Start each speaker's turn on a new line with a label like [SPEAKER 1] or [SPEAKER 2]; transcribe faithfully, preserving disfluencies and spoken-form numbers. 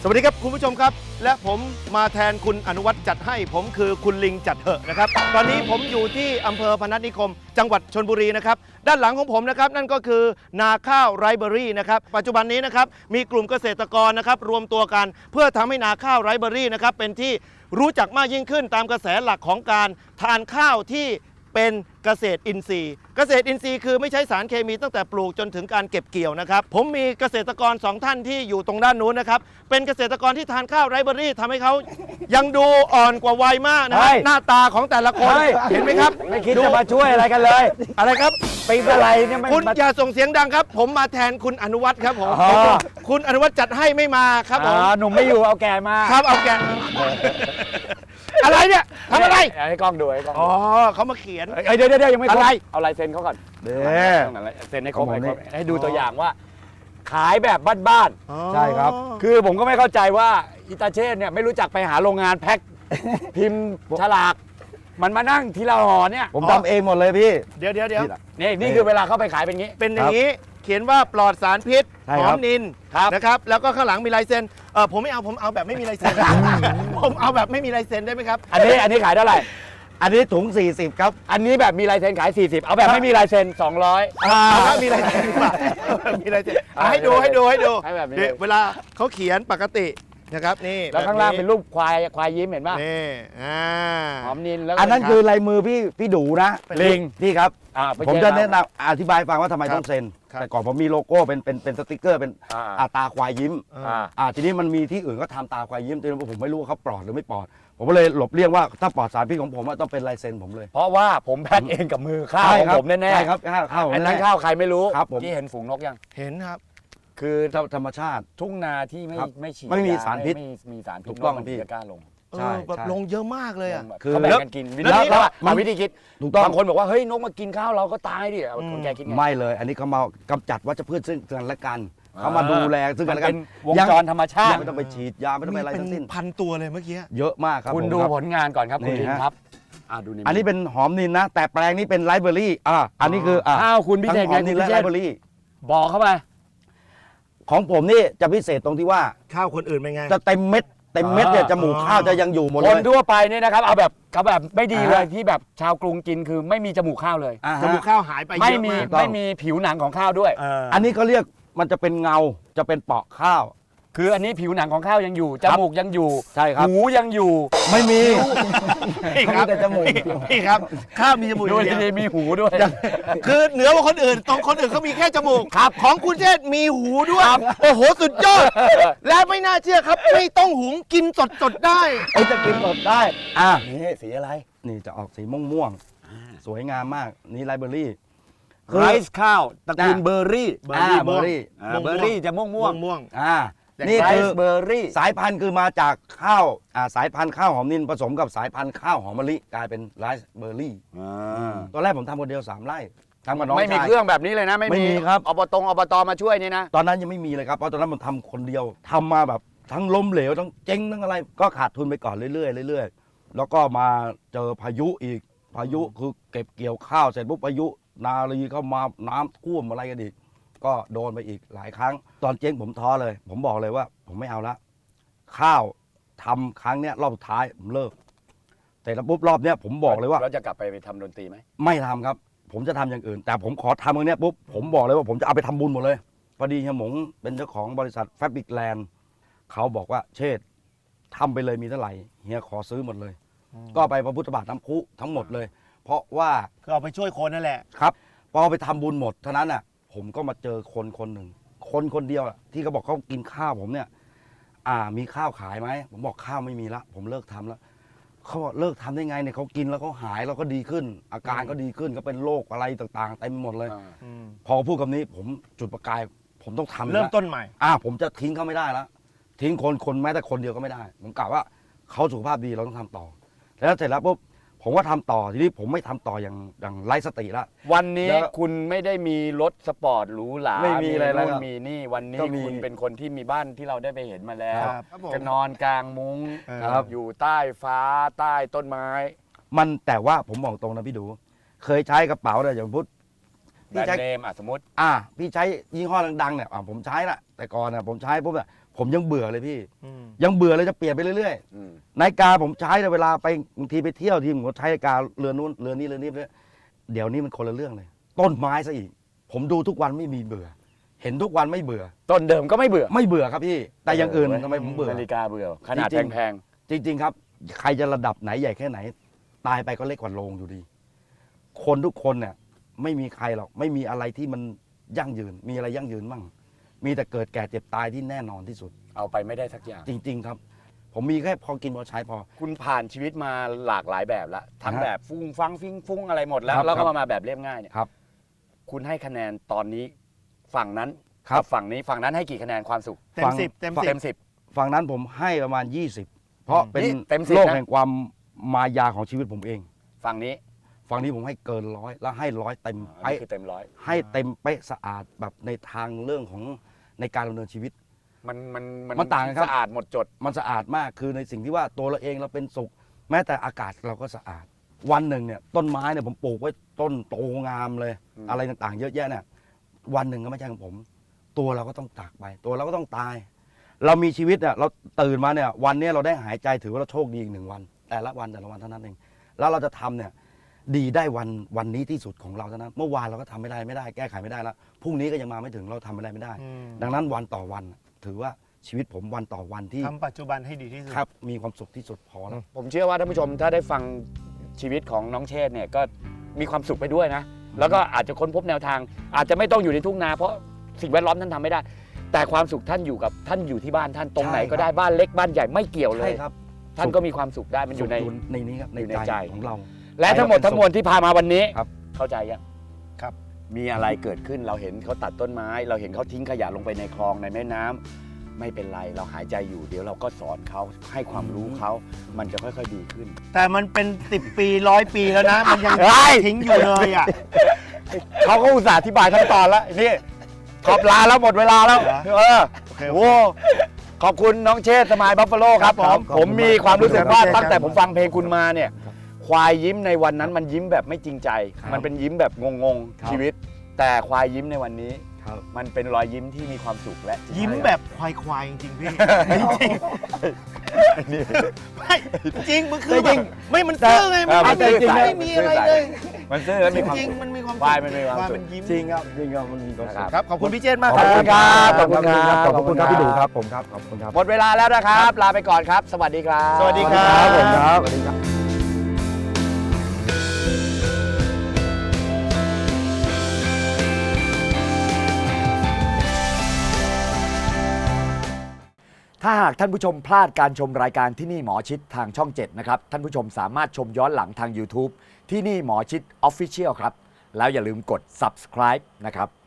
[SPEAKER 1] วัสดีครับคุณผู้ชมครับและผมมาแทนคุณอนุวัฒน์จัดให้ผมคือคุณลิงจัดเหอะนะครับตอนนี้ผมอยู่ที่อำเภอพนัสนิคม จังหวัดชลบุรีนะครับด้านหลังของผมนะครับนั่นก็คือนาข้าวไรเบอรี่นะครับปัจจุบันนี้นะครับมีกลุ่มเกษตรกรนะครับรวมตัวกันเพื่อทำให้นาข้าวไรเบอรี่นะครับเป็นที่รู้จักมากยิ่งขึ้นตามกระแสหลักของการทานข้าวที่เป็นเกษตรอินทรีย์เกษตรอินทรีย์คือไม่ใช้สารเคมีตั้งแต่ปลูกจนถึงการเก็บเกี่ยวนะครับผมมีเกษตรกรสองท่านที่อยู่ตรงด้านนู้นนะครับเป็นเกษตรกรที่ทานข้าวไรเบอรี่ทำให้เขายังดูอ่อนกว่าวัยมากนะฮะหน้าตาของแต่ละคนเห็นไหมครับ
[SPEAKER 2] ไม่คิดจะมาช่วยอะไรกันเลย
[SPEAKER 1] อะไรครับ
[SPEAKER 2] ปีอะไรเนี่ย
[SPEAKER 1] คุณอย่าส่งเสียงดังครับผมมาแทนคุณอนุวัฒน์ครับผมคุณอนุวัฒน์จัดให้ไม่มาครับผม
[SPEAKER 2] หนุ่มไม่อยู่เอาแก่มา
[SPEAKER 1] ครับเอาแก่อะไรเนี่ยทำอะไร
[SPEAKER 2] ให้กล้องดูให้กล้อง
[SPEAKER 1] อ๋อเขามาเขียน
[SPEAKER 2] เดี๋ยวเดี๋ยวยังไม่
[SPEAKER 1] อะไร
[SPEAKER 2] เอาลายเซ็นเขาก่อน
[SPEAKER 1] เด้
[SPEAKER 2] เซ็นให้ครบให้ดูตัวอย่างว่าขายแบบบ้าน
[SPEAKER 1] ๆใช่ครับ
[SPEAKER 2] คือผมก็ไม่เข้าใจว่าอิตาเช่เนี่ยไม่รู้จักไปหาโรงงานแพ็คพิมพ์ฉลากมันมานั่งทีละห่อเนี่ย
[SPEAKER 3] ผมทำเองหมดเลยพี่
[SPEAKER 1] เดี๋ยวเดี๋ยวเดี๋ยว
[SPEAKER 2] นี่นี่คือเวลาเข้าไปขายเป็นงี้
[SPEAKER 1] เป็นอย่างนี้เขียนว่าปลอดสารพิษหอมนินนะครับแล้วก็ข้างหลังมีลายเซ็นเออผมไม่เอาผมเอาแบบไม่มีลายเซ็นผมเอาแบบไม่มีลายเซ็นได้ไหมครับ
[SPEAKER 2] อันนี้อันนี้ขายเท่าไหร่
[SPEAKER 3] อันนี้ถุงสี่สิบครับ
[SPEAKER 2] อันนี้แบบมีลายเซ็นขายสี่สิบเอาแบบไม่มีลายเซ็นสองร้อย
[SPEAKER 1] เอาแบบมีลายเซ็นดีกว่ามีลายเซ็นให้ดูให้ดูให้ดูเวลาเขาเขียนปกตินะครับนี่
[SPEAKER 2] แล้วข้างล่างเป็นรูปควายควายยิ้มเห็นป่ะ
[SPEAKER 1] นี่อ่า
[SPEAKER 2] หอมนินแล้ว
[SPEAKER 3] อันนั้นคือลายมือพี่พี่ดูนะ
[SPEAKER 2] ลิง
[SPEAKER 3] พี่ครับผมจะแนะนำอธิบายฟังว่าทำไมต้องเซ็นแต่ก่อนผมมีโลโก้เป็นเป็นเป็นสติ๊กเกอร์เป็นตาควายยิ้มอ่าทีนี้มันมีที่อื่นก็ทำตาควายยิ้มแต่ผมไม่รู้ว่าเขาปลอดหรือไม่ปลอดผมก็เลยหลบเลี่ยงว่าถ้าปลอดสารพิษของผมต้องเป็นลายเซ็นผมเลย
[SPEAKER 2] เพราะว่าผมแพ็คเองกับมือข้าวของผมแน่ๆ
[SPEAKER 3] ใช่ครับข้าว
[SPEAKER 2] อันนั้นข้าวใครไม่รู้
[SPEAKER 3] ครับผม
[SPEAKER 2] ที่เห็นฝูงนกยัง
[SPEAKER 1] เห็นครับ
[SPEAKER 2] คือ
[SPEAKER 3] ธรรมชาติ
[SPEAKER 2] ทุ่งนาที่ไม่ไม่ฉีด
[SPEAKER 3] ไม่มีสารพิษ
[SPEAKER 2] ไม่มีสารพิษ
[SPEAKER 3] ถูกต้องพี่
[SPEAKER 2] จะกล้าลง
[SPEAKER 1] ใช่แบบลงเยอะมากเลยอ่ะ
[SPEAKER 2] คือเขาแบ่งกันกินวิธีแล้วมาวิธีคิด
[SPEAKER 3] ถูกต้อง
[SPEAKER 2] บางคนบอกว่าเฮ้ยนกมากินข้าวเราก็ตายดิคนแกคิดไง
[SPEAKER 3] ไม่เลยอันนี้เขามากำจัดวัชพืชซึ่งกันและกันเขามาดูแลซึ่งกันและกัน
[SPEAKER 2] วงจรธรรมชาติ
[SPEAKER 3] ไม่ต้องไปฉีดยาไม่ต้องไปอะไรทั้งสิ้น
[SPEAKER 1] พันตัวเลยเมื่อกี้
[SPEAKER 3] เยอะมากครับ
[SPEAKER 2] คุณดูผลงานก่อนครับคุณลินครับ
[SPEAKER 3] อันนี้เป็นหอมนินนะแต่แปลงนี้เป็นไรเบอรี่อ่าอันนี้คือ
[SPEAKER 2] อ้าวคุณพิเศษไงคุณพิเศษ
[SPEAKER 3] ไรเบอรี่
[SPEAKER 2] บอกเข้าไป
[SPEAKER 3] ของผมนี่จะพิเศษตรงที่ว่า
[SPEAKER 1] ข้าวคนอื่นเป็นไง
[SPEAKER 3] จะเต็มเม็ดเต็มเม็ดเนี่ยจมูกข้าวจะยังอยู่หมดเลย
[SPEAKER 2] คนทั่วไปเนี่ยนะครับเอาแบบเขาแบบไม่ดีเลยที่แบบชาวกรุงกินคือไม่มีจมูกข้าวเลย
[SPEAKER 1] จมูกข้าวหายไปเยอะ
[SPEAKER 2] ไม่มีไม่มีผิวหนังของข้าวด้วย
[SPEAKER 3] อันนี้เขาเรียกมันจะเป็นเงาจะเป็นเปาะข้าว
[SPEAKER 2] คืออันนี้ผิวหนังของข้าวยังอยู่จมูกยังอยู่
[SPEAKER 3] ใช่ครับ
[SPEAKER 2] หูยังอยู่
[SPEAKER 3] ไม่มี
[SPEAKER 1] พี่ครับ
[SPEAKER 3] แต่จมูก
[SPEAKER 1] พี่ครับข้าวมีจมูก
[SPEAKER 2] ด้วยมีหูด้วย
[SPEAKER 1] คือเหนือกว่าคนอื่นตรงคนอื่นเขามีแค่จมูกครับของคุณเชษมีหูด้วยโอ้โหสุดยอดและไม่น่าเชื่อครับไม่ต้องหุงกินสดสดได้
[SPEAKER 3] ไอ้จะกินสดได้
[SPEAKER 2] อ่ะนี่สีอะไร
[SPEAKER 3] นี่จะออกสีม่วงม่วงสวยงามมากนี่ไรเบอรี่
[SPEAKER 2] ไรซ์ข้าวตระกูลเบอร์รี่
[SPEAKER 3] เบอร์รี่เบอร์รี่
[SPEAKER 2] เบอร์รี่จะม่วงม่วง
[SPEAKER 1] ม่วง
[SPEAKER 3] อ่านี่คือ
[SPEAKER 2] เบอร์รี่
[SPEAKER 3] สายพันธุ์คือมาจากข้าวอ่าสายพันธุ์ข้าวหอมนินผสมกับสายพันธุ์ข้าวหอมมะลิกลายเป็นไรซ์เบอร์รี่ตอนแรกผมทำคนเดียวสามไร่ทำกับน้องชาย
[SPEAKER 2] ไม่มีเครื่องแบบนี้เลยนะ
[SPEAKER 3] ไม่มีครับ
[SPEAKER 2] อบตอบตมาช่วยนี่นะ
[SPEAKER 3] ตอนนั้นยังไม่มีเลยครับเพราะตอนนั้นผมทำคนเดียวทำมาแบบทั้งล้มเหลวทั้งเจ๊งทั้งอะไรก็ขาดทุนไปก่อนเรื่อยๆเรื่อยๆแล้วก็มาเจอพายุอีกพายุคือเก็บเกี่ยวข้าวเสร็จปุ๊บพายุนาลีเข้ามาน้ำท่วมอะไรกันอีกก็โดนไปอีกหลายครั้งตอนเจ๊งผมท้อเลยผมบอกเลยว่าผมไม่เอาละข้าวทำครั้งเนี้ยรอบสุดท้ายผมเลิกแต่แล้วปุ๊บรอบเนี้ยผมบอกเลยว่า
[SPEAKER 2] เราจะกลับไปไปทำดนตรีไหม
[SPEAKER 3] ไม่ทำครับผมจะทำอย่างอื่นแต่ผมขอทำตรงเนี้ยปุ๊บผมบอกเลยว่าผมจะเอาไปทำบุญหมดเลยพอดีเฮียหมงเป็นเจ้าของบริษัทแฟบริกแลนด์เขาบอกว่าเชษทำไปเลยมีเท่าไหร่เฮียขอซื้อหมดเลยก็ไปพระพุทธบาทน้ำพุทั้งหมดเลยเพราะว่า
[SPEAKER 1] คือเอาไปช่วยคนนั่นแหละ
[SPEAKER 3] ครับพอไปทำบุญหมดเท่านั้นน่ะผมก็มาเจอคนคนหนึ่งคนคนเดียวที่เขาบอกเขากินข้าวผมเนี่ยอ่ามีข้าวขายไหมผมบอกข้าวไม่มีละผมเลิกทำแล้วเขาบอกเลิกทำได้ไงเนี่ยเขากินแล้วเขาหายแล้วก็ดีขึ้นอาการก็ดีขึ้นก็เป็นโรคอะไรต่างๆเต็มหมดเลยพอพูดคำนี้ผมจุดประกายผมต้องทำ
[SPEAKER 1] เริ่มต้นใหม่
[SPEAKER 3] อ่าผมจะทิ้งเขาไม่ได้แล้วทิ้งคนคนแม้แต่คนเดียวก็ไม่ได้ผมกล่าวว่าเขาสุขภาพดีเราต้องทำต่อแล้วเสร็จแล้วปุ๊บผมว่าทำต่อทีนี้ผมไม่ทำต่ออย่างอย่างไร้สติละ
[SPEAKER 2] วันนี้คุณไม่ได้มีรถสปอร์ตหรูหรา
[SPEAKER 3] ไม่มีอะไรแล้ว
[SPEAKER 2] มีนี่วันนี้คุณเป็นคนที่มีบ้านที่เราได้ไปเห็นมาแล้วก็นอนกลางมุ้งอยู่ใต้ฟ้าใต้ต้นไม้
[SPEAKER 3] มันแต่ว่าผมบอกตรงนะพี่ดูเคยใช้กระเป๋าเนี่ยอย่างพุทธ
[SPEAKER 2] แบรนด์เนมอ่ะสมมติ
[SPEAKER 3] อ่าพี่ใช้ยี่ห้อดังๆเนี่ยผมใช้ละแต่ก่อนน่ะผมใช้ปุ๊บเนี่ยผมยังเบื่อเลยพี่
[SPEAKER 1] อืม
[SPEAKER 3] ยังเบื่อเลยจะเปลี่ยนไปเรื่อย
[SPEAKER 2] อืม
[SPEAKER 3] ๆนาฬิกาผมใช้ในเวลาไปบางทีไปเที่ยวทีผมก็ใช้นาฬิกาเรือนนู้นเรือนนี้เรือนนี้เลยเดี๋ยวนี้มันคนละเรื่องเลย ต้นไม้ซะอีก ผมดูทุกวันไม่มีเบื่อ เห็นทุกวันไม่เบื่อ
[SPEAKER 2] ต้นเดิมก็ไม่เบื่อ
[SPEAKER 3] ไม่เบื่อครับพี่ แต่อย่างอื่นทำไมผมเบื่อ
[SPEAKER 2] นาฬิกาเบื่อขนาด
[SPEAKER 3] จริงๆ
[SPEAKER 2] แพง
[SPEAKER 3] จริง ๆ ครับ ใครจะระดับไหนใหญ่แค่ไหน ตายไปก็เล็กกว่าโลงอยู่ดี คนทุกคนเนี่ยไม่มีใครหรอกไม่มีอะไรที่มันยั่งยืน มีอะไรยั่งยืนมั่งมีแต่เกิดแก่เจ็บตายที่แน่นอนที่สุด
[SPEAKER 2] ๆเอาไปไม่ได้สักอย่าง
[SPEAKER 3] จริง ๆ ครับ ผมมีแค่พอกินพอใช้พอ
[SPEAKER 2] คุณผ่านชีวิตมาหลากหลายแบบแล้วทั้ง
[SPEAKER 3] ฮะ
[SPEAKER 2] แบบฟุ้งฟังฟิ้งฟุ้งอะไรหมดแล้ว
[SPEAKER 3] ครับ
[SPEAKER 2] แล้ว
[SPEAKER 3] ครั
[SPEAKER 2] ก็
[SPEAKER 3] บ
[SPEAKER 2] มามาแบบเรียบง่ายเนี่ย
[SPEAKER 3] ครับ
[SPEAKER 2] คุณให้คะแนนตอนนี้ฝั่งนั้น
[SPEAKER 3] ครับ
[SPEAKER 2] กับฝั่งนี้ฝั่งนั้นให้กี่คะแนนความสุข
[SPEAKER 1] เต็มสิบเต็มสิ
[SPEAKER 2] เต็
[SPEAKER 1] บ
[SPEAKER 2] มสิบ
[SPEAKER 3] ฝั่งนั้นผมให้ประมาณ ยี่สิบ เพราะเป็น
[SPEAKER 2] นี่เต็มสิบ
[SPEAKER 3] โลก
[SPEAKER 2] นะ
[SPEAKER 3] แห่งความมายาของชีวิตผมเอง
[SPEAKER 2] ฝั่งนี้
[SPEAKER 3] ฝั่งนี้ผมให้เกินร้อยแล้วให้ร้อยเต็ม
[SPEAKER 2] อัน
[SPEAKER 3] เป๊ะ
[SPEAKER 2] นี้คือเต็มร้อย
[SPEAKER 3] ให้เต็มเป๊ะสะอาดแบบในทางเรื่องของในการดำเนินชีวิต
[SPEAKER 2] มันมัน
[SPEAKER 3] มันต่างกันครับ
[SPEAKER 2] สะอาดหมดจด
[SPEAKER 3] มันสะอาดมากคือในสิ่งที่ว่าตัวเราเองเราเป็นสุข แม้แต่อากาศเราก็สะอาด วันหนึ่งเนี่ยต้นไม้เนี่ยผมปลูกไว้ต้นโตงามเลย
[SPEAKER 2] อืม
[SPEAKER 3] อะไรต่างๆ เยอะแยะเนี่ยวันหนึ่งก็ไม่ใช่ของผม ตัวเราก็ต้องจากไป ตัวเราก็ต้องตาย เรามีชีวิตเนี่ยเราตื่นมาเนี่ยวันเนี้ยเราได้หายใจถือว่าเราโชคดีอีกหนึ่งวัน แต่ละวันแต่ละวันเท่านั้นเองแล้วเราจะทำเนี่ยดีได้วันวันนี้ที่สุดของเราเท่านั้นเมื่อวานเราก็ทำไม่ได้ไม่ได้แก้ไขไม่ได้แล้วพรุ่งนี้ก็ยังมาไม่ถึงเราทำอะไรไม่ได้
[SPEAKER 1] อืม
[SPEAKER 3] ดังนั้นวันต่อวันถือว่าชีวิตผมวันต่อวันที่
[SPEAKER 1] ทำปัจจุบันให้ดีที่สุด
[SPEAKER 3] ครับมีความสุขที่สุดพอแล้ว
[SPEAKER 2] ผมเชื่อว่าท่านผู้ชมถ้าได้ฟังชีวิตของน้องเชษฐ์เนี่ยก็มีความสุขไปด้วยนะ แล้วก็อาจจะค้นพบแนวทาง อาจจะไม่ต้องอยู่ในทุ่งนาเพราะสิ่งแวดล้อมท่านทำไม่ได้ แต่ความสุขท่านอยู่กับท่านอยู่ที่บ้านท่านตรงไหน
[SPEAKER 3] ใช่ครับ
[SPEAKER 2] ก็ได้บ้านเล็กบ้านใหญ่ไม่เกี่ยวเล
[SPEAKER 3] ใช่
[SPEAKER 2] ย
[SPEAKER 3] ครับ
[SPEAKER 2] ท่านก็มีความสุขได้มันอยู่ใน
[SPEAKER 3] สุขในนี้ครับใน
[SPEAKER 2] อยู่ใน
[SPEAKER 3] ใจ
[SPEAKER 2] ใจ
[SPEAKER 3] ของเรา
[SPEAKER 2] และทั้งหมดทั้งมวลที่พามาวันนี้
[SPEAKER 3] ครับ
[SPEAKER 2] เข้าใจยัง
[SPEAKER 1] ครับ
[SPEAKER 2] มีอะไรเกิดขึ้นเราเห็นเขาตัดต้นไม้ เราเห็นเขาทิ้งขยะลงไปในคลองในแม่น้ำไม่เป็นไรเราหายใจอยู่เดี๋ยวเราก็สอนเขาให้ความรู้เขามันจะค่อยๆดีขึ้น
[SPEAKER 1] แต่มันเป็นสิบปีร้อยปีแล้วนะ มันยัง
[SPEAKER 2] เฮ้ย
[SPEAKER 1] ทิ้งอยู่เลยอ่ะ
[SPEAKER 2] เขาก็อุตส่าห์อธิบายขั้นตอนแล้วนี่ขอบลาแล้วหมดเวลาแล้ว
[SPEAKER 1] เหรอ
[SPEAKER 2] เออ
[SPEAKER 1] โอเค
[SPEAKER 2] โอ้ขอบคุณน้องเชษฐ์สมายบัฟฟาโลครับ
[SPEAKER 1] ครับ
[SPEAKER 2] ผ
[SPEAKER 1] ผม ม
[SPEAKER 2] ผมมีความรู้สึกว่า
[SPEAKER 1] ขอบคุณครับ
[SPEAKER 2] ตั้งแต่ผมฟังเพลงคุณมาเนี่ยควายยิ้มในวันนั้นมันยิ้มแบบไม่จริงใจ
[SPEAKER 3] ครับ
[SPEAKER 2] มันเป็นยิ้มแบบงง
[SPEAKER 3] ครับ
[SPEAKER 2] ๆชีวิต แต่ควายยิ้มในวันนี้
[SPEAKER 3] ครับ
[SPEAKER 2] มันเป็นรอยยิ้มที่มีความสุขและ
[SPEAKER 1] ยิ้มแบบควายๆจริงๆพี่ จริงๆไม่จริงมันคือแบบไม่มันซื่อไงมัน
[SPEAKER 2] มันซื่อ
[SPEAKER 1] จริง
[SPEAKER 2] สัตย์
[SPEAKER 1] ไม่มีอะไรเลย
[SPEAKER 2] มันซื่อและ
[SPEAKER 1] จ
[SPEAKER 2] มีความ
[SPEAKER 1] ริง
[SPEAKER 2] สุข
[SPEAKER 1] ๆมันมีความ
[SPEAKER 2] ควายมันมีความ
[SPEAKER 1] ควาย
[SPEAKER 2] สุข
[SPEAKER 1] มันยิ้ม
[SPEAKER 3] จริงครับจริงครับมันมีความสุข
[SPEAKER 1] ครับขอบคุณพี่เจษมาก
[SPEAKER 2] ขอบคุณครับขอบคุณครับ
[SPEAKER 3] ขอบคุณครับพี่ดูครับผมครับขอบคุณครับ
[SPEAKER 2] หมดเวลาแล้วนะครับ ลาไปก่อนครับ สวัสดีครับ
[SPEAKER 1] สวัสดีครับ
[SPEAKER 3] ผมครับสวัสดีครับ
[SPEAKER 2] ถ้าหากท่านผู้ชมพลาดการชมรายการที่นี่หมอชิดทางช่องเจ็ดนะครับท่านผู้ชมสามารถชมย้อนหลังทาง YouTube ที่นี่หมอชิด Official ครับแล้วอย่าลืมกด Subscribe นะครับ